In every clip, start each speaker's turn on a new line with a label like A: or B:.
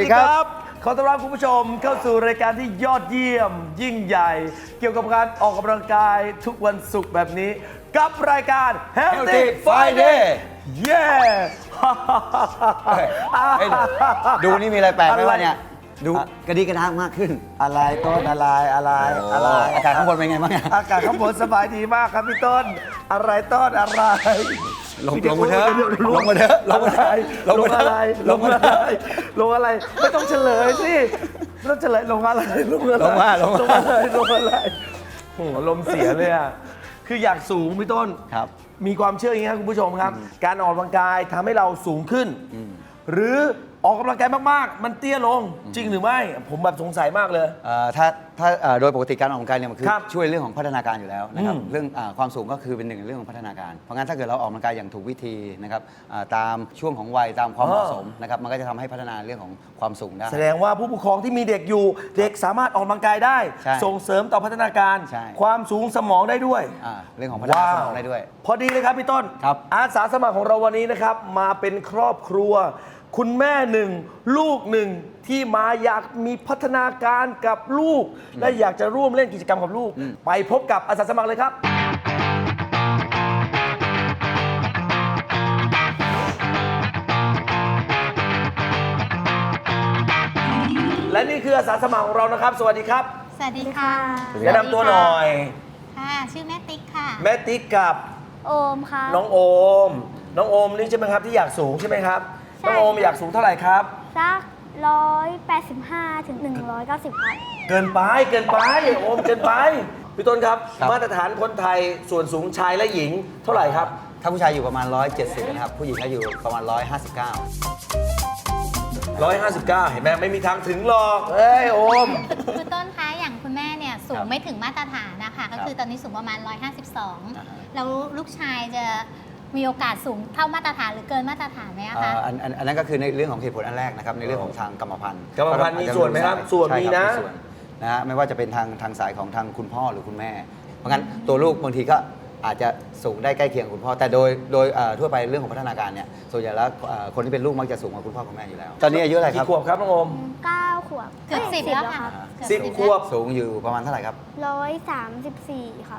A: ครับขอต้อนรับคุณผู้ชมเข้าสู่รายการที่ยอดเยี่ยมยิ่งใหญ่ เกี่ยวกับการออกกำลังกายทุกวันศุกร์แบบนี้กับรายการ Healthy Friday เย้
B: ดูนี่มีอะไรแปลกไหมวะเนี่ยดูกระดิกระดางมากขึ้น
A: อะไรต้นอะไร
B: อากาศข้างบนเป็นไงบ้างเนี่ย
A: อากาศข้างบนสบายดีมากครับพี่ต้นอะไรต้นอะไร
B: ลงมาเถอะลงมาเถอะลงมาเถอะลงมาเถอะ
A: ลงอะไรไม่ต้องเฉลยสิไม่ต้องเฉลยลงอะไรลงอะไรโอ้โหลมเสียเลยอ่ะคืออยากสูงพี่ต้น
B: ครับ
A: มีความเชื่ออย่างนี้ครับคุณผู้ชมครับ การออกกำลังกายทำให้เราสูงขึ้น หรือออกกำลังกายมากๆ มันเตี้ยลงจริงหรือไม่ ผมแบบสงสัยมากเลย
B: ถ้าโดยปกติการออกกำลังกายเนี่ยมันคือ
A: ครับ
B: ช่วยเรื่องของพัฒนาการอยู่แล้วนะครับ
A: อืม
B: เรื่องความสูงก็คือเป็นหนึ่งในเรื่องของพัฒนาการ เพราะงั้นถ้าเกิดเราออกกำลังกายอย่างถูกวิธีนะครับตามช่วงของวัยตามความเหมาะสมนะครับมันก็จะทำให้พัฒนาเรื่องของความสูงได้
A: แสดงว่าผู้ปกครองที่มีเด็กอยู่ เด็กสามารถออกกำลังกายได้
B: ใช่
A: ส่งเสริมต่อพัฒนาการ
B: ใช่
A: ความสูงสมองได้ด้วย
B: เรื่องของพัฒนาสมองได้ด้วย
A: พอดีเลยครับพี่ต้น
B: ครับ
A: อาสาสมัครของเราวันนี้นะครับมาเป็นครอบครัว คุณแม่หนึ่งลูกหนึ่งที่มาอยากมีพัฒนาการกับลูก และอยากจะร่วมเล่นกิจกรรมกับลูก ไปพบกับอาสาสมัครเลยครับ และนี่คืออาสาสมัครของเรานะครับ สวัสดีครับ
C: สวัสดีค่ะ
A: แนะนำตัวหน่อย
C: ค่ะ ชื่อแม่ติ๊กค่ะ
A: แม่ติ๊กกับ
D: โอมค่ะ
A: น้องโอม น้องโอมนี่ใช่ไหมครับที่อยากสูงใช่ไหมครับ
D: ใช่
A: น้องโอมอยากสูงเท่าไหร่ครับ
D: สัก185 ถึง 190 ครับ
A: เกินไปโอมเกินไปพี่ต้นครับ
B: ครับ
A: มาตรฐานคนไทยส่วนสูงชายและหญิงเท่าไหร่ครับ
B: ถ้าผู้ชายอยู่ประมาณ 170นะครับผู้หญิงก็อยู่ประมาณ
A: 159 เห็นไหมไม่มีทางถึงหรอกเอ้ยโอม
C: คือต้นคะอย่างคุณแม่เนี่ยสู
B: ครั
C: ง
B: บ
C: ไม่ถึงมาตรฐานนะคะ ก็คือตอนนี้สูงประมาณ
B: อ่าฮะ
C: 152 แล้วลูกชายจะมีโอกาสสูงเท่ามาตรฐานหรือเกินมาตรฐานไหมอะคะ
B: อันนั้นก็คือในเรื่องของเหตุผลอันแรกนะครับในเรื่องของทางกรรมพันธุ์
A: กรรมพันธุ์มีส่วนไหมครับส่วน
B: ใช่
A: มี
B: ครับ
A: นะ
B: ส่วนนะฮะไม่ว่าจะเป็นทางสายของทางคุณพ่อหรือคุณแม่ เพราะงั้นตัวลูกบางทีก็อาจจะสูงได้ใกล้เคียงกับคุณพ่อ แต่โดยทั่วไปเรื่องของพัฒนาการเนี่ยส่วนใหญ่แล้วคนที่เป็นลูกมักจะสูงกว่าคุณพ่อคุณแม่อยู่แล้ว ตอนนี้อายุอะไรค
A: กี่
B: รับ
A: ขวบครับน้องโอม
D: 9 ขวบ
C: เกือบ
D: อ้ย
C: 10 แล้วค่ะ
A: สิบ
C: เกือบ
A: ขวบ
B: สูงอยู่ประมาณเท่าไหร่ครับ
D: 134 ครับ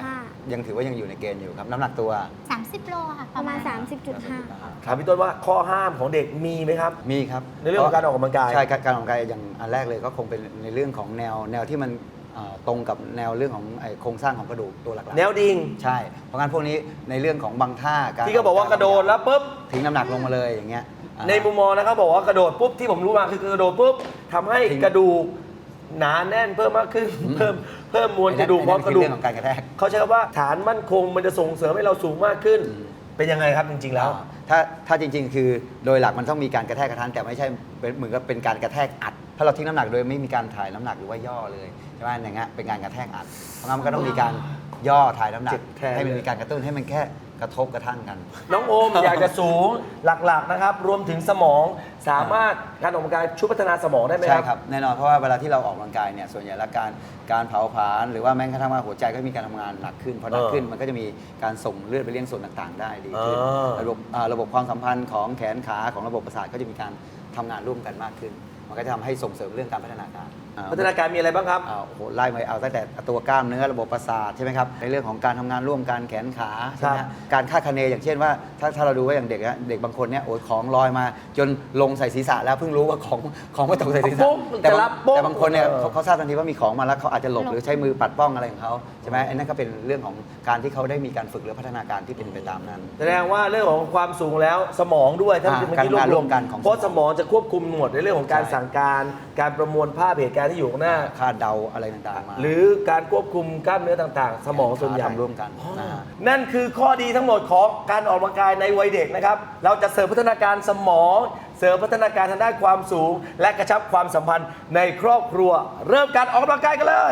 D: 35
B: ยังถือว่ายังอยู่ในเกณฑ์อยู่ครับน้ำหนักตัว
C: 30 โลค่ะ
D: ประมาณ
C: 30
D: 30.5
A: ถามพี่ต้นว่าข้อห้ามของเด็กมีไหมครับ
B: มีครับ
A: ในเรื่องของการออกกำลังกาย
B: ใช่การออกกำลังกายอย่างอันแรกเลยก็คงเป็นในเรื่องของแนวที่มันตรงกับแนวเรื่องของโครงสร้างของกระดูกตัวหลักๆ
A: แนวดิ่ง
B: ใช่ เพราะงั้นพวกนี้ในเรื่องของบางท่าการ
A: ที่เขาบอกว่ากระโดดแล้วปุ๊บ
B: ทิ้งน้ำหนักลงมาเลยอย่างเงี้ย
A: ในมุมมองนะครับบอกว่ากระโดดปุ๊บที่ผมรู้มาคือกระโดดปุ๊บทำให้กระดูกหนาแน่นเพิ่มมากขึ้น เพิ่มมวลกระดูกเพราะกระดูก
B: เรื่องของการกระแทก
A: เขาใช้คำว่าฐานมั่นคงมันจะส่งเสริมให้เราสูงมากขึ้น เป็นยังไงครับจริงๆแล้ว
B: ถ้าจริงๆ คือโดยหลักมันต้องมีการกระแทกกระทันแต่ไม่ใช่เป็นเหมือนกับเป็นการกระแทกอัด ถ้าเราทิ้งน้ำหนักโดยไม่มีการถ่ายน้ำหนักหรือว่าย่อเลยใช่ไหมอย่างเงี้ยเป็นการกระแทกอัดเพราะงั้นมันก็ต้องมีการย่อถ่ายน้ำหนั
A: เจ็
B: ก
A: บแทน
B: ให้มันมีการกระตุ้นให้มันแค่กระทบกระทั่งกัน
A: น้องโอม อยากจะสูงหลักๆนะครับ รวมถึงสมองสามารถการออกกำลังกายช่วยพัฒนาสมองได้ไหม
B: ใช่
A: ครับ
B: ครับแน่นอนเพราะว่าเวลาที่เราออกกำลังกายเนี่ยส่วนใหญ่แล้วการเผาผลาญหรือว่าแม้กระทั่งว่าหัวใจก็มีการทำงานหนักขึ้นพอหนักขึ้นมันก็จะมีการส่งเลือดไปเลี้ยงส่วนต่างๆ ได้ดีขึ้น ระบบความสัมพันธ์ของแขนขาของระบบประสาทก็จะมีการทำงานร่วมกันมากขึ้น มันก็จะทำให้ส่งเสริมเรื่องการพัฒนาการ
A: พัฒนาการมีอะไรบ้างครับ
B: โอ้โหไล่มาเอาตั้งแต่ตัวกล้ามเนื้อระบบประสาทใช่ไหมครับในเรื่องของการทำงานร่วมกันแขนขาใช่ไหม
A: ครั
B: ฮะ
A: บ
B: การคาดคะเนอย่างเช่นว่าถ้าเราดูว่าอย่างเด็กนะเด็กบางคนเนี่ยโอ้ยของลอยมาจนลงใส่ศีรษะแล้วเพิ่งรู้ว่าของไม่ตกใส่ศีรษะ
A: ปุ๊บจะรับปุ๊บ
B: แต่บางคนเนี่ย
A: เออ
B: เขาทราบทันทีว่ามีของมาแล้วเขาอาจจะหลบ
C: หลบ
B: หรือใช้มือปัดป้องอะไรของเขาใช่ไหมอันนั้นก็เป็นเรื่องของการที่เขาได้มีการฝึกหรือพัฒนาการที่เป็นไปตามนั้น
A: แสดงว่าเรื่องของความสูงแล้วสมองด้วยถ้า
B: อ่า
A: เป็น
B: การทำงานร่วมกันของ
A: เพราะสมองจะควบคุมหมดในเรื่องของการ
B: ใช่
A: สั่งการการประมวลภาพเหตุการณ์ที่อยู่ข้างหน้า
B: คาดเดาอะไรต่างๆมา
A: หรือการควบคุมกล้ามเนื้อต่างๆ สมองส่วนใหญ่
B: ทำร่วมกัน
A: อ๋อ
B: นะฮะ
A: นั่นคือข้อดีทั้งหมดของการออกกำลังกายในวัยเด็กนะครับ เราจะเสริมพัฒนาการสมอง เสริมพัฒนาการทางด้านความสูง และกระชับความสัมพันธ์ในครอบครัว เริ่มการออกกำลังกายกันเลย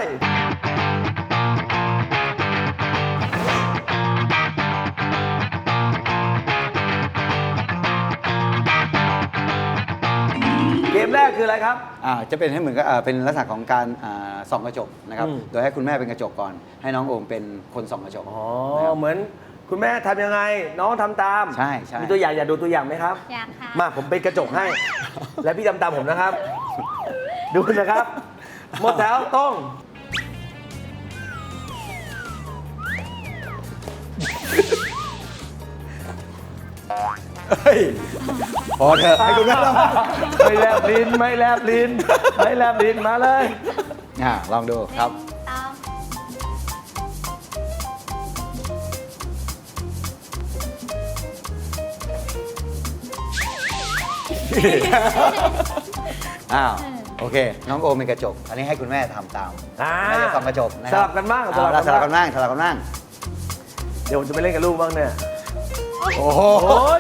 A: เกมแรกคืออะไรครับ
B: จะเป็นให้เหมือนกับเป็นลักษณะของการส่องกระจกนะครับ
A: อืม
B: โดยให้คุณแม่เป็นกระจกก่อน ให้น้องโอมเป็นคนส่องกระจก
A: อ๋อ
B: นะครับ
A: เหมือนคุณแม่ทำยังไง น้องทำตาม
B: ใช่ใช่
A: มีตัวอย่างอยากดูตัวอย่างไหมครับ
C: อยากค่ะ
A: มาผมเป็นกระจกให้ และพี่ทำตามผมนะครับ ดูนะครับ หมดแถวต้อง
B: พอเถอะให้คุณแม่ลอง
A: ไม่แลบลิ้นไม่แลบลิ้นไม่แลบลิ้นมาเลย
B: ลองดูครับ
C: ตอง
B: โอเค น้องโอมเป็นกระจก อันนี้ให้คุณแม่ทำตาม
A: อ่า
B: แม่จะส่องกระจกนะค
A: ส
B: รับ
A: ลับกันบ้าง
B: สลับกันบ้างสลับกันบ้าง
A: เดี๋ยวผมจะไปเล่นกับลูกบ้างเนี่ย
B: โอ้โห
A: โอ้ย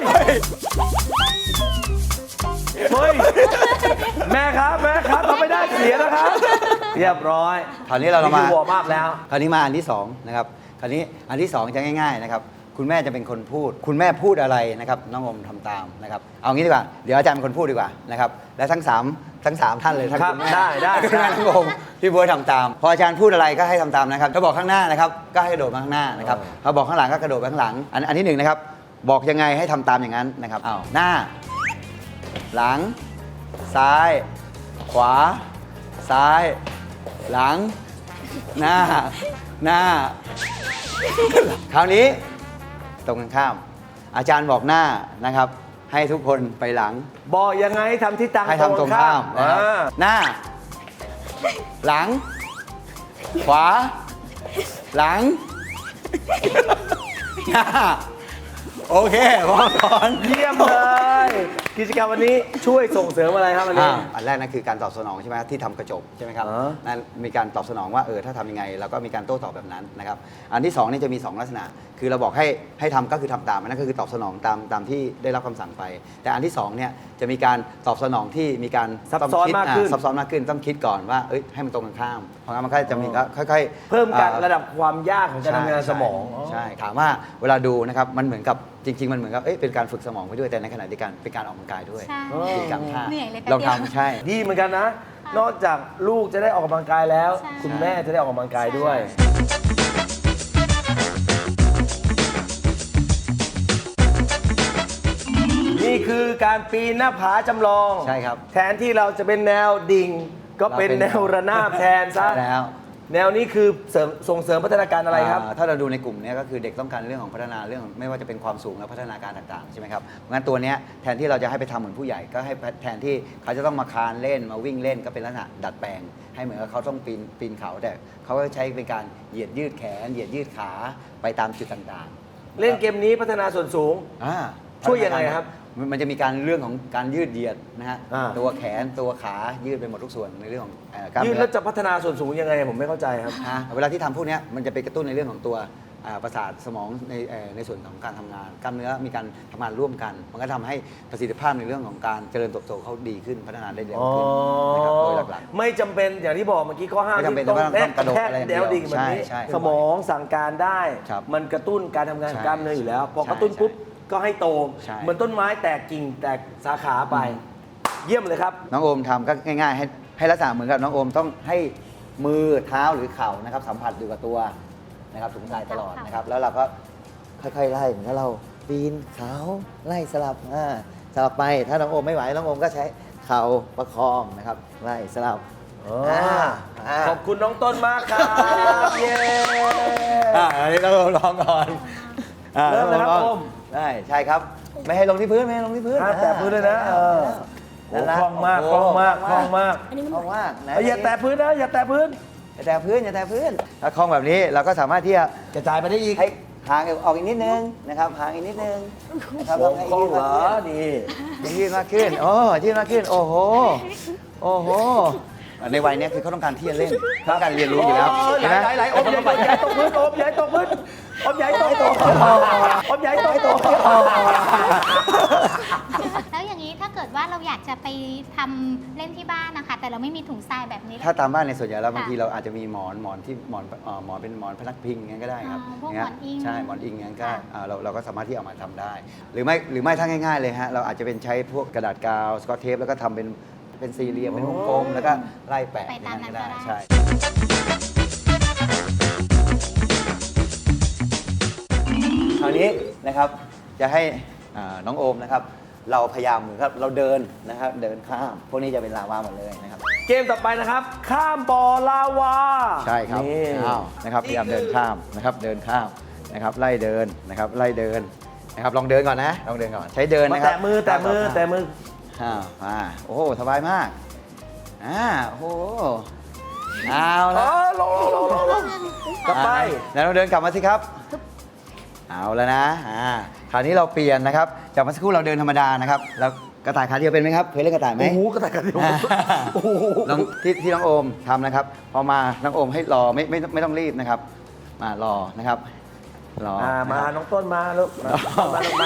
A: เฮ้ยแม่ครับทำไม่ได้เสียนะครับ เรียบร้อย
B: คราวนี้เรามา
A: คือวอร์มอัพแล้ว
B: คราวนี้มาอันที่2นะครับ คราวนี้อันที่2จะง่ายๆนะครับ คุณแม่จะเป็นคนพูด คุณแม่พูดอะไรนะครับ น้องโอมทำตามนะครับ เอางี้ดีกว่า เดี๋ยวอาจารย์เป็นคนพูดดีกว่านะครับ และทั้ง3ท่านเลยทั้ง
A: ครับ
B: คุณแม่
A: ได้
B: คุณแม่น้องโอมพี่บัวทำตาม พออาจารย์พูดอะไรก็ให้ทำตามนะครับ ถ้าบอกข้างหน้านะครับ ก็ให้กระโดดมาข้างหน้านะครับ ถ้าบอกข้างหลังก็กระโดดไปข้างหลัง อันที่1นะครับ บอกยังไงให้ทำตามอย่างนั้นนะครับอ้าวหน้า หลัง ซ้าย ขวา ซ้าย หลัง หน้า คราวนี้ตรงกันข้าม อาจารย์บอกหน้านะครับ ให้ทุกคนไปหลัง
A: บอกยังไงทำที่ตัง
B: ให้ทำตรงข้ามนะครับหน้า หลัง ขวา หลัง หน้า โอเคพอก่อน
A: เยี่ยมเลย กิจกรรมวันนี้ช่วยส่งเสริมอะไรครับวันนี้
B: อันแรกนั่นคือการตอบสนองใช่ไหมที่ทำกระจกใช่ไหมครับ
A: อ๋อ
B: นั่นมีการตอบสนองว่าถ้าทำยังไงเราก็มีการโต้ตอบแบบนั้นนะครับอันที่2นี่จะมี2ลักษณะ คือเราบอกให้ทำก็คือทำตามอันนั่นก็คือตอบสนองตามที่ได้รับคำสั่งไป แต่อันที่2เนี่ยจะมีการตอบสนองที่มีการ
A: ซับซ้อนมากขึ้น
B: ซับซ้อนมากขึ้นต้องคิดก่อนว่าให้มันตรงกันข้ามเพราะงั้นมันก็จะมีก็ค่อยๆ
A: เพิ่มการระดับความยากของการทำงานสมอง
B: ใช่ถามว่าเวลาดูนะครับมันเหมือนกับจริง ๆ มันเหมือนกับเป็นการฝึกสมองไปด้วยแต่ในขณะเดียวกันเป็นการออกกำลังกายด้วย
C: ใช่
B: กิจกรรมท่า
C: เหนื่อยเลย
B: ลอง
C: แป๊บเดียว
B: ทำใช่
A: ดีเหมือนกันนะ นอกจากลูกจะได้ออกกำลังกายแล้ว
C: ใช่
A: คุณแม่จะได้ออกกำลังกายด้วย นี่คือการปีนหน้าผาจำลอง
B: ใช่ครับ
A: แทนที่เราจะเป็นแนวดิ่ง ก็เป็นแนวระนาบแทนซะ
B: ใช่แล้ว
A: แนวนี้คือส่งเสริมพัฒนาการอะไรครับ
B: ถ้าเราดูในกลุ่มเนี้ก็คือเด็กต้องการเรื่องของพัฒนาเรื่องไม่ว่าจะเป็นความสูงและพัฒนาการต่างๆใช่ไหมครับงั้นตัวเนี้ยแทนที่เราจะให้ไปทำเหมือนผู้ใหญ่ก็ให้แทนที่เขาจะต้องมาคานเล่นมาวิ่งเล่นก็เป็นลักษณะดัดแปลง ให้เหมือนกับเขาต้องปีนเขาแต่เขาก็ใช้เป็นการเหยียดยืดแขนเหยียดยืดขาไปตามจุดต่างๆ
A: เล่นเกมนี้พัฒนาส่วนสูง ช่วยยังไงครับ
B: มันจะมีการเรื่องของการยืดเหยียดนะฮะ
A: อ่า
B: ตัวแขนตัวขายืดไปหมดทุกส่วนในเรื่องของกล้าม
A: ยืด
B: เนื้
A: แล้ว
B: อ
A: จะพัฒนาส่วนสูงยังไงผมไม่เข้าใจครับ
B: เวลาที่ทำพวกเนี้ยมันจะไปกระตุ้นในเรื่องของตัวประสาทสมองในส่วนของการทำงานกล้ามเนื้อมีการทำงานร่วมกัน มันก็ทำให้ประสิทธิภาพในเรื่องของการเจริญเติบโตเขาดีขึ้นพัฒนาได้เร็วขึ้นนะครับโดยหลัก
A: ไม่จำเป็นอย่างที่บอกเมื่อกี้ข้อห้าม
B: ไม่จำเป็น
A: ที่ต้อง
B: ว่าต้องกระโดด
A: แทก
B: อะไรอย่างเดี
A: แน
B: ยว
A: วดิ่งแบบนี้
B: ใช่
A: สมองสั่งการได้
B: ครับ
A: มันกระตุ้นการทำงานของ
B: ใช่
A: กล้ามเนื้ออยู่แล้ว พอ
B: ใช่
A: กระตุ้นปุ๊บก็ให้โต
B: ใช่
A: เหมือนต้นไม้แตกกิ่งแตกสาขาไป เยี่ยมเลยครับ
B: น้องโอมทำก็ง่ายๆให้ลักษณะเหมือนกับน้องโอมต้องให้มือเท้าหรือเข่านะครับสัมผัสอยู่กับตัวนะครับถึงกายตลอดนะครับแล้วเราก็ค่อยๆไล่เหมือนกับเราปีนเขาไล่สลับสลับไปถ้าน้องโอมไม่ไหวน้องโอมก็ใช้เข่าประคองนะครับไล่สลับ
A: ขอบคุณน้องต้นมากครับ เย้
B: อันนี้เราลองก่อน
A: เริ่มเลยครับโอม
B: ได้ใช่ครับ ไม่ให้ลงที่พื้นไม่ให้ลงที่พื้น
A: ห้ามแตะพื้นเลยนะโอ้
B: นั่นละ
A: คล่องมาก
B: โ
A: คล่องมากคล่องมาก
B: คล่องมากนะ
A: อย่าแตะพื้นนะอย่าแตะพื้น
B: อย่าแตะพื้นอย่าแตะพื้นถ้าคล่องแบบนี้เราก็สามารถที่จะ
A: กระจายไปได้อีก
B: ให้หางออกอีกนิดนึงนะครับหางอีกนิดนึงนะครับ
A: โอ้
B: ให้
A: คล่อง
B: ยืด
A: เหร
B: มาก
A: อ
B: ขึ้น
A: นี่
B: ให้ยืดมากขึ้นโอ้ยืดมากขึ้นโอ้โหโอ้โหในวัยเนี้ยคือเขาต้องการที่จะเล่นต้องการเรียนรู้อยู่แล้ว
A: โอ้ย
B: เห็นไหม
A: ไหลอมใหญ่ตกพื้นอมใหญ่ตกพื้นอมใหญ่ตกพื้นอมใหญ่ตกพื้น
C: แล้วอย่างนี้ถ้าเกิดว่าเราอยากจะไปทำเล่นที่บ้านนะคะ แต่เราไม่มีถุงทรายแบบนี้
B: ถ้าตามบ้านในส่วนใหญ่แล้วบาง
C: ค่ะ
B: ทีเราอาจจะมีหมอนที่หมอนเป็นหมอนพนักพิงอย่างนั้นก็ได้ครับ
C: พวก
B: ย่าง
C: หมอนอิง
B: ใช่หมอนอิงอย่างนั้นก็
C: ค่ะ
B: เราก็สามารถที่เอามาทำได้ หรือไม่ถ้าง่ายๆเลยฮะเราอาจจะเป็นใช้พวกกระดาษกาวสกอตเทปแล้วก็ทำเป็นสี่เหลี่ยมเป็นวงกลมแล้วก็ไล่แปะ
C: ไป
B: อย่า
C: ตาม
B: ง
C: นั้
B: นั้น นก็
C: ก็
B: ได้
C: ได้
B: ใช่ คราวนี้นะครับจะให้น้องโอมนะครับเราพยายามเหมือนกับเราเดินนะครับเดินข้ามพวกนี้จะเป็นลาวาหมดเลยนะครับ
A: เกมต่อไปนะครับ ข้ามบ่อลาวา
B: ใช่ครับ
A: นี่
B: อ้าวนะครับพยายามเดินข้ามนะครับเดินข้ามนะครับไล่เดินนะครับไล่เดินนะครับลองเดินก่อนนะลองเดินก่อนใช้เดิน
A: มา
B: นะครับ
A: แตะมือแตะมือแตะมือ
B: มาโอ้โหสบายมากโอ้โหเอา
A: อ๋
B: ละ
A: อลงกลับไป
B: แล้วเราเดินกลับมาสิครับเอาแล้วนะคราวนี้เราเปลี่ยนนะครับจากเมื่อสักครู่เราเดินธรรมดานะครับแล้วกระต่ายขาเดียวเป็นไหมครับเคยเล่นกระต่ายไหม
A: โอ้โหกระต่ายกระเดียวโอ้โห
B: ลองที่น้องโอมทำนะครับ พอมาน้องโอมให้รอไม่ต้องรีบนะครับ มารอนะครับรอ
A: มา
B: นะครับ
A: น้องต้นมาลูกมาลูกมา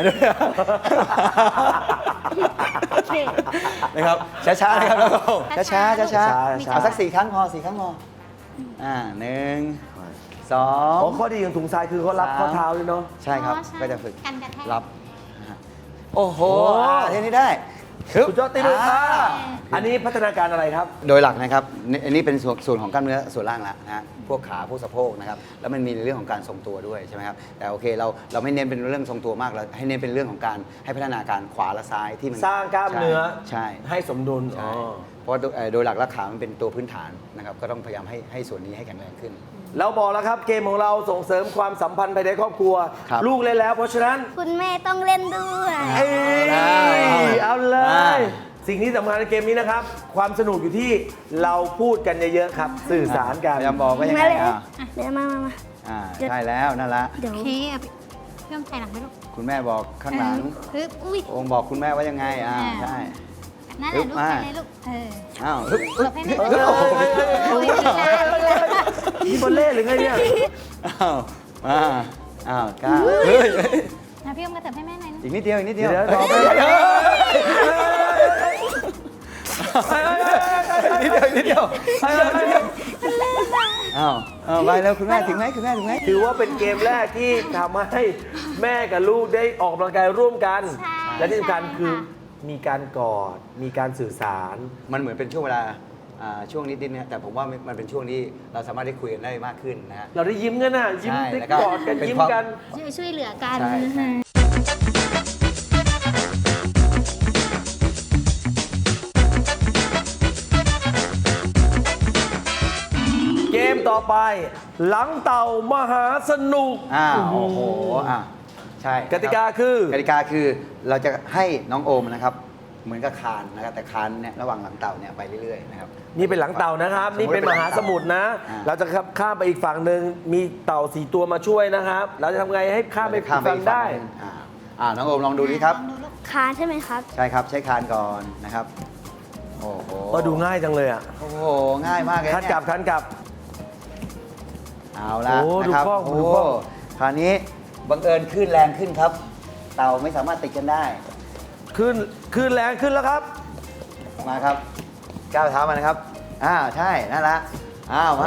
B: นะครับช้าๆนะครับน้องโอมช้าๆช้า
A: ช้าๆ
B: เอาสัก4 ครั้งพอ4 ครั้งพอ1 2
A: อ๋อข้อดีของถุงทรายคือเขารับข้อเท้าด้วยเนาะ
B: ใช่ครับ
C: อ๋อใช่
B: ก็จะฝึก
C: กันกระแทก
B: รับนะฮะโอ้โห
A: โอ้
B: เท่นี้ได้ฮึบ
A: สุดยอดตีลูกอันนี้พัฒนาการอะไรครับ
B: โดยหลักนะครับอันนี้เป็นส่วนของกล้ามเนื้อส่วนล่างละนะฮะพวกขาพวกสะโพกนะครับแล้วมันมีในเรื่องของการทรงตัวด้วยใช่ไหมครับแต่โอเคเราไม่เน้นเป็นเรื่องทรงตัวมากเราให้เน้นเป็นเรื่องของการให้พัฒนาการขวาและซ้ายที่มัน
A: สร้างกล้ามเนื้อ
B: ใช่
A: ให้สมดุล
B: ใช่เพราะโดยหลักแล้วขามันเป็นตัวพื้นฐานนะครับก็ต้องพยายามให้ส่วนนี้ให้แข็งแรงขึ้น
A: เราบอกแล้วครับเกมของเราส่งเสริมความสัมพันธ์ภายในครอบครัว
B: ครับ
A: ลูกเล่นแล้ว เพราะฉะนั้น
D: คุณแม่ต้องเล่นด้วย
A: เอ้ยเอาเล
B: อ่า
A: ย สิ่งที่สำคัญในเกมนี้นะครับ ความสนุกอยู่ที่เราพูดกันเยอะๆครับ สื่อสารกัน
B: พยายามบอกว่ายังไง
D: มาเลย
B: อ่ะ
D: เดี๋ยวมา
B: ใช่แล้วนั่นละ
D: เดี๋ยว
C: โอเคเอาไปเพิ่มไข่หลังไปลูก
B: คุณแม่บอกข้างหลัง
C: ฮึบอุ้ย
B: องค์บอกคุณแม่ว่ายังไงใช่
C: นั่นแหละลูก
B: มา
C: ไปเลยลูก
B: อ้าว
C: หลบให้แม่
A: เออ
C: โอ้ยลีลาลีลา
A: นี่บอลเล่หรือไงเนี่ย
B: อ้าวกล้าเฮ้ย
C: นะพี่อมกระเถิบให้แม่หน่อยนะ
B: อีกนิดเดียวอีกนิดเดียว
A: เดี๋ยวต่อไป
B: นิดเดียวอ้าวไปแล้วคุณแม่ถึงไหมคุณแม่ถึงไหม
A: ถือว่าเป็นเกมแรกที่ทำให้แม่กับลูกได้ออกกำลังกายร่วมกัน
C: ใช่
A: และที่สำคัญ
C: ใช่
A: คือ
C: ค่ะ
A: มีการกอด มีการสื่อสาร
B: มันเหมือนเป็นช่วงเวลาช่วงนิดๆเนี่ยแต่ผมว่ามันเป็นช่วงที่เราสามารถได้คุยกันได้มากขึ้นนะฮะ
A: เราได้ยิ้มกันน่ะ ยิ้ม
B: ใช่
A: ได้
B: แล้วก็
A: กอดกัน
B: เป็น
A: ยิ้ม
B: ความ
A: กัน
C: ช่วยเหลือกัน
B: ใช่ใช่
A: เกมต่อไป หลังเต่ามหาสนุก
B: โอ้โหใช่
A: กติกาคือ
B: กติกาคือเราจะให้น้องโอมนะครับเหมือนกับคานนะครับแต่คานเนี่ยระหว่างหลังเต่าเนี่ยไปเรื่อยๆนะครับ
A: นี่เป็นหลังเต่านะครับ
B: สมมุติ
A: นี่เป็นมหาสมุทรนะ
B: อ่า
A: เราจะข้ามไปอีกฝั่งหนึ่งมีเต่า4 ตัวมาช่วยนะครับ เราจะทำไงให้ข้ามไปอีกฝั่งได้
B: หนึ่งน้องโอมลองดูดิครับ
C: ลองดูลูก
D: คานใช่ไหมครับ
B: ใช่ครับใช้คานก่อนนะครับโอ้โห
A: ก็ดูง่ายจังเลยอ่ะ
B: โอ้โหง่ายมากเลย
A: คัน
B: เนี่ย
A: กลับคันกลับ
B: เอาละ
A: โอ้
B: นะครับ
A: ดูกล้อง
B: โอ้
A: ดูกล้อง
B: คราวนี้บังเอิญขึ้นแรงขึ้นครับ เต่าไม่สามารถติดกันได้
A: ขึ้นแรงขึ้นแล้วครับ
B: มาครับก้าวเท้ามานะครับใช่นั่นละมา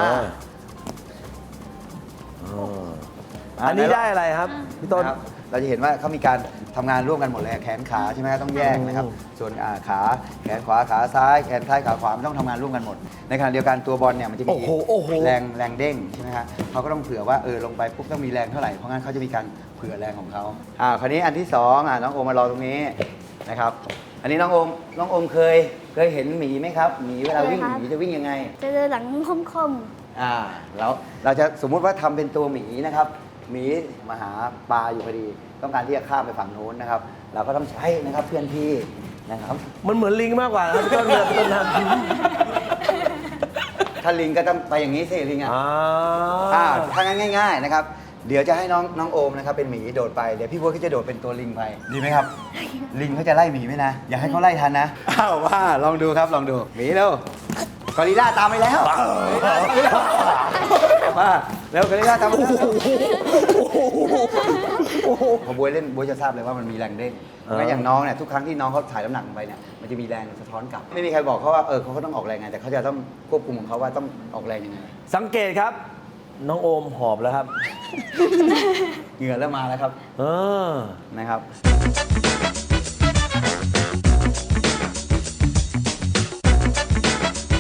A: อันนี้ได้อะไรครับพี่ต้น
B: นะครับเราจะเห็นว่าเขามีการทำงานร่วมกันหมดเลยแขนขาใช่ไหมครับต้องแยกนะครับ ส่วนขาแขนขวาขาซ้ายแขนซ้ายขาขวามันต้องทำงานร่วมกันหมด ในขณะเดียวกันตัวบอลเนี่ยมันจะมี
A: โอ้โห
B: แรงเด้งใช่ไหมครับเขาก็ต้องเผื่อว่าลงไปปุ๊บต้องมีแรงเท่าไหร่เพราะงั้นเขาจะมีการเผื่อแรงของเขาคราวนี้อันที่สองน้องโอมมารอตรงนี้นะครับ อันนี้น้องโอมเคยเห็นหมีไหมครับหมีเวลาวิ่ง
D: เคยครับ
B: หมีจะวิ่งยังไง
D: จะเดินหลังคม
B: แล้วเราจะสมมุติว่าทำเป็นตัวหมีนะครับหมีมาหาปลาอยู่พอดี ต้องการที่จะข้ามไปฝั่งโน้นนะครับ เราก็ต้องใช้นะครับเพื่อนพี่นะครับ
A: มันเหมือนลิงมากกว่านะครับพี่ต้นเรือพี่ต้นท
B: ถ้าลิงก็ต้องไปอย่างนี้สิลิง
A: ำ
B: ถ้างั้นง่าย ๆนะครับ เดี๋ยวจะให้น้องโอมนะครับเป็นหมีโดดไปเดี๋ยวพี่บัวก็จะโดดเป็นตัวลิงไปดีไหมครับ ลิงเขาจะไล่หมีไหมนะอย่าให้เขาไล่ทันนะว่าลองดูครับลองดูหมีเร็วกอริลล่าตามไปแล้วมาเร็วกอริลล่าตามไปแล้วพอบวยเล่นบวยจะทราบเลยว่ามันมีแรงเด้งงั้นอย่างน้องเนี่ยทุกครั้งที่น้องเขาถ่ายน้ำหนักลงไปเนี่ยมันจะมีแรงสะท้อนกลับ ไม่มีใครบอกเขาว่าเขาก็ต้องออกแรงไงแต่เขาจะต้องควบคุมของเขาว่าต้องออกแรงยังไง
A: สังเกตครับ น้องโอมหอบแล้วครับ
B: เหงื่อเริ่มมาแล้วครับ นะครับ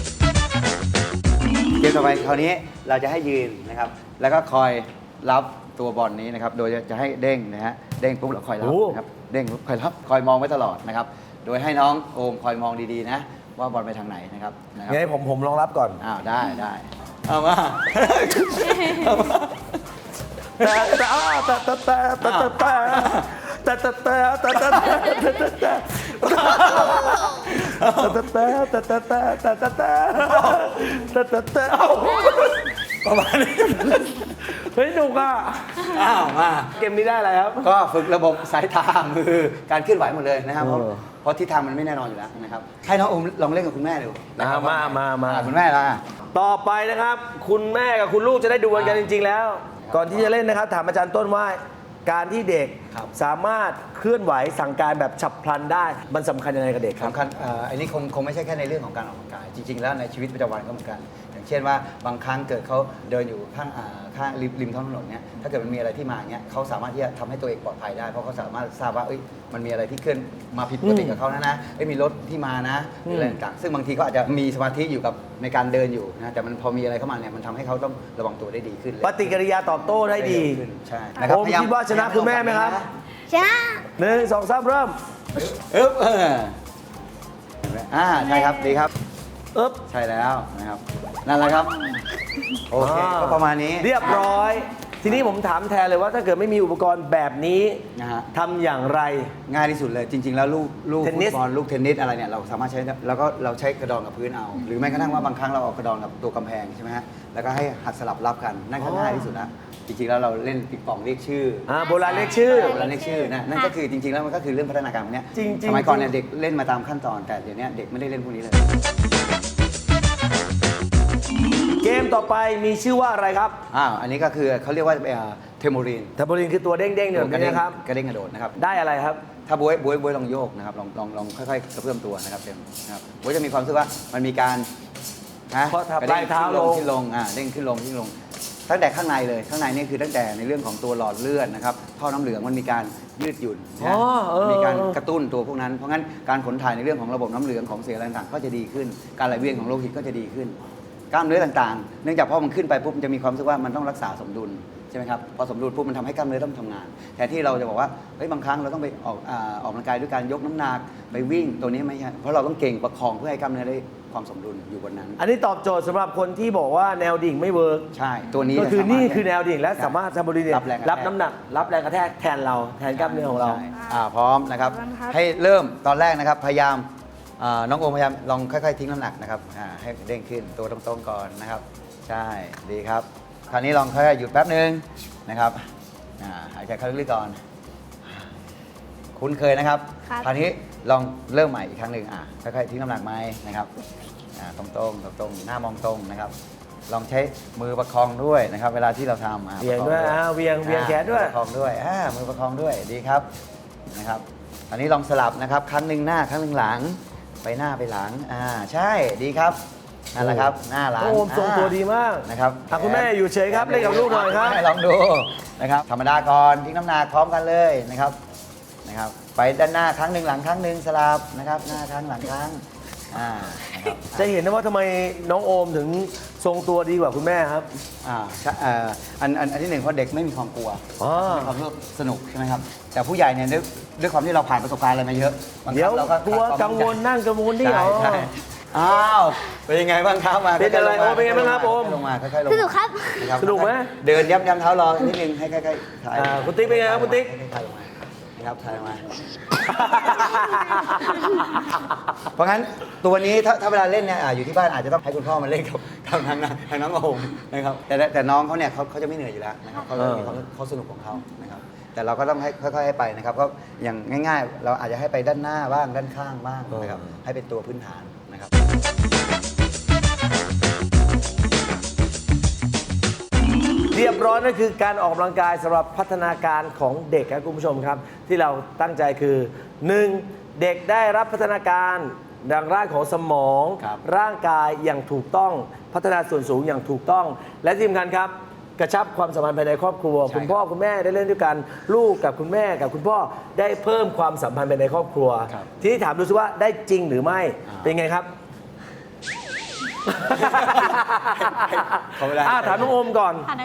B: เกมต่อไปคราวนี้เราจะให้ยืนนะครับ แล้วก็คอยรับตัวบอลนี้นะครับโดยจะให้เด้งนะฮะเด้งปุ๊บเราคอยรับ
A: โอ้
B: นะครับเด้งปุ๊บคอยรับคอยมองไว้ตลอดนะครับโดยให้น้องโอมคอยมองดีๆนะว่าบอลไปทางไหนนะครับ
A: งั้นผมลองรับก่อน
B: อ้าวได้เอามา ประมาณนี้
A: เฮ้ยหนุกอ่ะ
B: อ้าวมา
A: เกมนี้ได้อะไรครับ
B: ก็ฝึกระบบสายตามือการเคลื่อนไหวหมดเลยนะครับเพราะ
A: เออ
B: เพราะทิศทางมันไม่แน่นอนอยู่แล้วนะครับให้น้องโอมลองเล่นกับคุณแม่ดูนะครับ
A: มา
B: คุณแม่ละ
A: ต่อไปนะครับ คุณแม่กับคุณลูกจะได้ดูกันจริง ๆ แล้ว ก่อนที่จะเล่นนะครับถามอาจารย์ต้นว่าการที่เด็กสามารถเคลื่อนไหวสั่งการแบบฉับพลันได้ มันสำคัญยังไงกับเด็กครับ
B: สำคัญอันนี้คงไม่ใช่แค่ในเรื่องของการออกกำลังกาย จริง ๆ แล้วในชีวิตประจำวันก็เหมือนกัน อย่างเช่นว่าบางครั้งเกิดเขาเดินอยู่ข้างริมท้องถนนเนี่ยถ้าเกิดมันมีอะไรที่มาเนี่ยเขาสามารถที่จะทำให้ตัวเองปลอดภัยได้ เพราะเขาสามารถทราบว่ามันมีอะไรที่เคลื่อนมาผิดปกติกับเขานะมีรถที่มานะหรืออะไรต่างๆซึ่งบางทีเขาอาจจะมีสมาธิอยู่กับในการเดินอยู่นะแต่มันพอมีอะไรเข้ามาเนี่ยมันทำให้เขาต้องระวังตัวได้ดีขึ้นเลย
A: ปฏิกิริยาตอบโต้ได้ดี
B: ขึ้นใช่
A: ผมคิดว่าชนะคุณแม่ไหมครับ
D: ชนะ
A: 1 2 3 เริ่ม
B: อึ๊บใช่ครับดีครับ
A: อึ๊บ
B: ใช่แล้วนะครับนั่นแหละครับโอเคก็ประมาณนี้
A: เรียบร้อย ทีนี้ผมถามแทนเลยว่าถ้าเกิดไม่มีอุปกรณ์แบบนี้
B: นะฮะ
A: ทำอย่างไร
B: ง่ายที่สุดเลยจริง ๆ แล้วลูก
A: เทนนิ
B: ฟุ
A: ส
B: ตบอลลูกเทนนิสอะไรเนี่ยเราสามารถใช้แล้วก็เราใช้กระดองกับพื้นเอา หรือแม้กระทั่งว่าบางครั้งเราเอากระดองกับตัวกำแพงใช่ไหมฮะแล้วก็ให้หัดสลับรับกันนั่นก็ง่ายที่สุดแล้วจริงๆแล้วเราเล่นปิงปองเรียกชื่อ
A: โบราณเรียกชื่อ
B: โบราณเรียกชื่อนะนั่นก็คือจริงๆแล้วมันก็คือเรื่องพัฒนาการพวกเนี้ย
A: จริงๆ
B: สมัยก่อนเนี่ยเด็กเล่นมาตามขั้นตอนแต่เดี๋ยวนี้เด็กไม่ได้เล่นพวกนี้เลย
A: เกมต่อไปมีชื่อว่าอะไรครับ
B: อันนี้ก็คือเขาเรียกว่าเทมโบรีน
A: ทับโบลินคือตัวเด้งๆเนี่ยแบบนี้นะครับ
B: กระเด้งกระโดดนะครับ
A: ได้อะไรครับ
B: ถ้าบวยลองโยกนะครับลองค่อยๆกระเพื่อมตัวนะครับเต็มนะครับบวยจะมีความรู้สึกว่ามันมีการนะ
A: เพราะถ้าก
B: ระเด้ง
A: ปลายเท้า
B: ขึ้นลงเด้งขึ้นลงตั้งแต่ข้างในเลยข้างในนี่คือตั้งแต่ในเรื่องของตัวหลอดเลือดนะครับท่อน้ำเหลืองมันมีการยืดหยุ่นนะ มีการกระตุ้นตัวพวกนั้นเพราะงั้นการขนถ่ายในเรื่องของระบบน้ำเหลืองของเสียอะไรต่างๆก็จะดีขึ้น การไหลเวียนของโลหิตก็จะดีขึ้น กล้ามเนื้อต่างๆ เนื่องจากพอมันขึ้นไปปุ๊บมันจะมีความรู้สึกว่ามันต้องรักษาสมดุลใช่ไหมครับพอสมดุลปุ๊บมันทำให้กล้ามเนื้อต้องทำงานแทนที่เราจะบอกว่าเฮ้ยบางครั้งเราต้องไปออกกำลังกายด้วยการยกน้ำหนักไปวิ่งตัวนี้ไม่ใช่เพราะเราต้องเก่งประคองเพื่อให้กล้ามเนื้อได้ความสมดุลอยู่บนนั้น
A: อันนี้ตอบโจทย์สำหรับคนที่บอกว่าแนวดิ่งไม่เวิร์ก
B: ใช่ตัวนี้
A: ก็คือ
B: สามารถ
A: นี่คือแนวดิ่งและสามารถทับโบลินเนี่ย
B: รับแรงกระแทก
A: รับน้ำหนัก รับแรงกระแทกแทนเราแทนกล้ามเนื้อของเรา
B: ใช่พร้อมนะครับ
D: พร้อมครับ
B: ให้เริ่มตอนแรกนะครับพยายามน้องโอมพยายามลองค่อยๆทิ้งน้ำหนักนะครับให้เด้งขึ้นตัวตรงๆก่อนนะครับใช่ดีครับคราวนี้ลองค่อยๆหยุดแป๊บนึงนะครับหายใจเข้าลึกๆก่อนคุ้นเคยนะครับ
D: ครับ
B: คราวนี้ลองเริ่มใหม่อีกครั้งหนึ่งค่อยๆทิ้งน้ำหนักไหมนะครับตรงๆหน้ามองตรงนะครับลองใช้มือประคองด้วยนะครับเวลาที่เราทำ
A: เวียงด้วย
B: ประคอง
A: เวียงแขนด้วย
B: ประคองด้วยมือประคองด้วยดีครับนะครับอันนี้ลองสลับนะครับครั้งหนึ่งหน้าครั้งหนึ่งหลังไปหน้าไปหลังใช่ดีครับนั่นแหละครับหน้าหลัง
A: โอ้ทรงตัวดีมาก
B: นะครับ
A: คุณแม่อยู่เฉยครับเล่นกับลูกหน่อยครับ
B: ให้ลองดูนะครับธรรมดาก่อนทิ้งน้ำหนักพร้อมกันเลยนะครับไปด้านหน้าครั้งหนึ่งหลังครั้งหนึ่งสลับนะครับหน้าครั้งหลังครั้งนะครับ
A: จะเห็นนะว่าทำไมน้องโอมถึงทรงตัวดีกว่าคุณแม่ครับ
B: ใช่อันที่หนึ่งเพราะเด็กไม่มีความกลัว
A: อ๋อ
B: มีความรู้สึกสนุกใช่ไหมครับแต่ผู้ใหญ่เนี่ยด้วยความที่เราผ่านประสบการณ์อะไรมาเยอะบางค
A: เดี๋ยว
B: รั้งเราก็
A: กลัว
B: ขาดความ
A: กังวล
B: มั่นใจ
A: นั่งกังวลนี่เหรอ
B: ใช่อ้าวเป็นยังไงบ้างครับมา
A: เป็นอะไร
B: ค่ยๆลงมา
A: โอ้เป็นไงบ้างครับโอม
B: ลงมาค่อยๆลง
D: สนุกครับ
B: นะครับ
A: สนุกไหม
B: เดินย้ำเท้ารอนิดนึงให้ใกล้ๆถ่าย
A: คุณติ๊กเป็นไงครับคุณติ๊ก
B: ถ่ายลงมานะครับถ่ายลงมา เพราะงั้นตัวนี้ถ้าเวลาเล่นเนี่ยอยู่ที่บ้านอาจจะต้องให้คุณพ่อมาเล่นกับทางน้องโอมนะครับแต่น้องเขาเนี่ยเขาจะไม่เหนื่อยอยู่แล้วนะครับเขาสนุกของเขานะครับแต่เราก็ต้องให้ค่อยๆให้ไปนะครับก็อย่างง่ายๆ เราอาจจะให้ไปด้านหน้าบ้างด้านข้างบ้างนะครับให้เป็นตัวพื้นฐานนะครับ
A: เรียบร้อยนั่นคือการออกกำลังกายสำหรับพัฒนาการของเด็กครับคุณผู้ชมครับ ที่เราตั้งใจคือ 1. เด็กได้รับพัฒนาการดังร่างของสมอง
B: ครับ
A: ร่างกายอย่างถูกต้องพัฒนาส่วนสูงอย่างถูกต้อง และที่สำคัญครับ กระชับความสัมพันธ์ภายในครอบครัว
B: ใช่
A: คุณพ่อคุณแม่ได้เล่นด้วยกันลูกกับคุณแม่กับคุณพ่อได้เพิ่มความสัมพันธ์ภายในครอบครัว
B: ครับ
A: ทีนี้ถามดูซิว่าได้จริงหรือไม่เป็นไงครับ
B: เขาไม่ได้
A: ถามน้องโอมก่อน
C: ค่ะนะ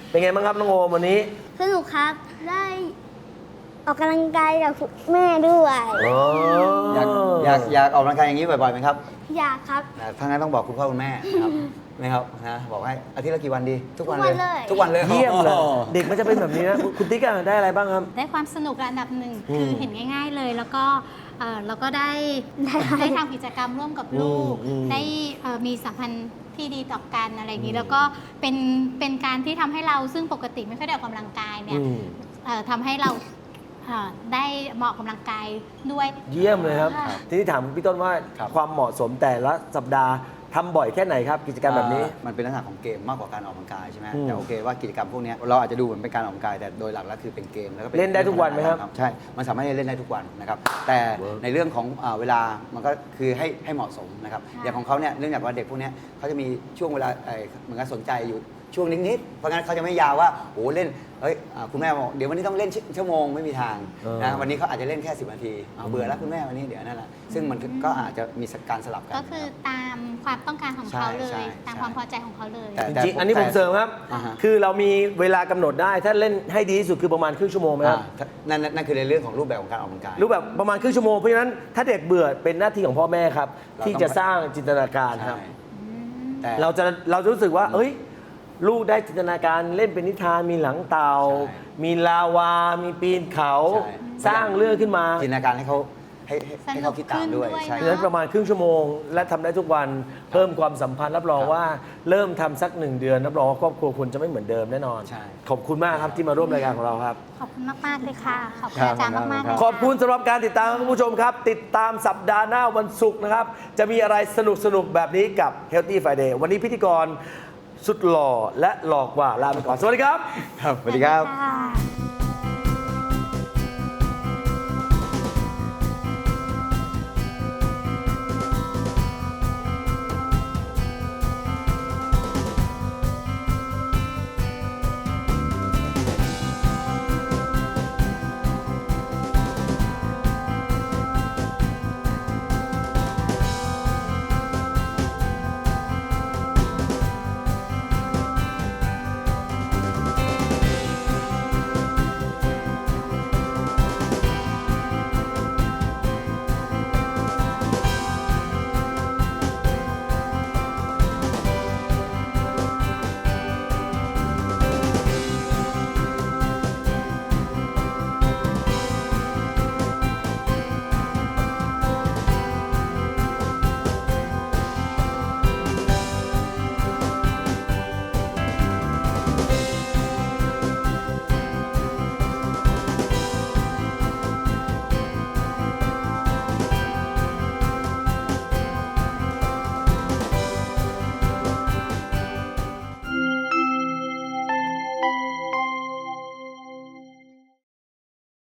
A: เป็นไงบ้างครับน้องโอมวันนี้
D: สนุกครับ ได้ออกกำลังกายกับคุณแม่ด้วย
B: อยากออกกำลังกายอย่างนี้บ่อยๆไหมครับ
D: อยากครับ
B: ถ้างั้นต้องบอกคุณพ่อคุณแม่นะครับ นะครับนะบอกให้อาทิตย์ละกี่วันดี ทุกวัน
D: ทุกวันเลย
B: ทุกวันเลย
A: เยี่ยมเลย
B: โอ้โห
A: เด็กมันจะเป็นแบบนี้นะคุณติ๊กอะได้อะไรบ้างครับ
C: ได้ความสนุกระดับหนึ่ง
A: อืม
C: คือเห็นง่าย ๆเลย แล้วก็เราก็ได้ทำกิจกรรมร่วมกับลูก ได้มีสัมพันธ์ที่ดีต่อกันอะไรอย่างนี้ แล้วก็เป็นการที่ทำให้เราซึ่งปกติไม่ค่อยได้ออกกำลังกายเนี่ยทำให้เราได้เหมาะกำลังกายด้วย
A: เยี่ยมเลยครับ
C: ค่ะ
A: ทีนี้ถามพี่ต้นว่า
B: ครับ
A: ความเหมาะสมแต่ละสัปดาห์ทำบ่อยแค่ไหนครับ กิจกรรมแบบนี้
B: มันเป็นลักษณะของเกมมากกว่าการออกกำลังกายใช่ไหม
A: อืม
B: แต่โอเคว่ากิจกรรมพวกเนี้ยเราอาจจะดูเหมือนเป็นการออกกำลังกายแต่โดยหลักแล้วคือเป็นเกมแล้วก็ป็
A: เล่นได้ทุกวันไหมครับ
B: ใช่ มันสามารถเล่นได้ทุกวันนะครับแต่ในเรื่องของเวลามันก็คือให้เหมาะสมนะครับ
C: ค่ะ
B: อย่างของเขาเนี่ยเนื่องจากว่าเด็กพวกเนี้ยเขาจะมีช่วงเวลาเหมือนกับสนใจอยู่ช่วงนิดๆเพราะงั้นเขาจะไม่ยาวว่าโอ้เล่นคุณแม่บอกเดี๋ยววันนี้ต้องเล่นชั่วโมงไม่มีทางนะวันนี้เขาอาจจะเล่นแค่10 นาทีเบื่อแล้วคุณแม่วันนี้เดี๋ยวนั่นแหละซึ่งมันก็อาจจะมีการสลับกัน
C: ก็คือตามความต้องการของเขาเล
B: ใช่
C: ย
B: ใช่
C: ตามความพอใจของเขาเลย
B: แต่
A: จริงๆอันนี้ผมเสริมครับ
B: อ่าฮะ
A: คือเรามีเวลากำหนดได้ถ้าเล่นให้ดีที่สุดคือประมาณครึ่งชั่วโมงไหมครับ
B: นั่นคือในเรื่องของรูปแบบของการออกกำลังกาย
A: รู้แบบประมาณครึ่งชั่วโมงเพราะฉะนั้นถ้าเด็กเบื่อเป็นหน้าที่ของพ่อแม่ครับ
B: เราต้อง
A: ที่จะสร้างจินตนาการครับ
B: ใช่แต่
A: เราจะรู้สึกว่า เอ้ย ลูกได้จินตนาการเล่นเป็นนิทานมีหลังเต่า
B: ใช่
A: มีลาวา มีปีนเขา
B: ใช่
A: สร้างเรื่องขึ้นมา
B: จินตนาการให้เขาให้เขาคิดตามด้วย
C: สนุกขึ้นด้วย
B: ใช่
A: เพราะฉะนั้นประมาณครึ่งชั่วโมง และทำได้ทุกวันเพิ่มความสัมพันธ์รับรอง
B: ครับ
A: ว่าเริ่มทำสัก1 เดือนรับรองว่าครอบครัวคุณจะไม่เหมือนเดิมแน่นอน
B: ใช่
A: ขอบคุณมากครับที่มาร่วมรายการของเราครับ
C: ขอบคุณมากๆเลยค่ะ ขอบคุณ
B: ครับ
C: อาจารย์มากๆเลย
A: ขอบคุณสำหรับการติดตามครับคุณผู้ชมครับ ติดตามสัปดาห์หน้าวันศุกร์นะครับ จะมีอะไรสนุกๆ แบบนี้กับ Healthy Friday วันนี้พิธีกรสุดหล่อและหลอกกว่าลาไปก่อน สวัสดีครับ
B: ครับสวัสดีครับ
C: ค่ะ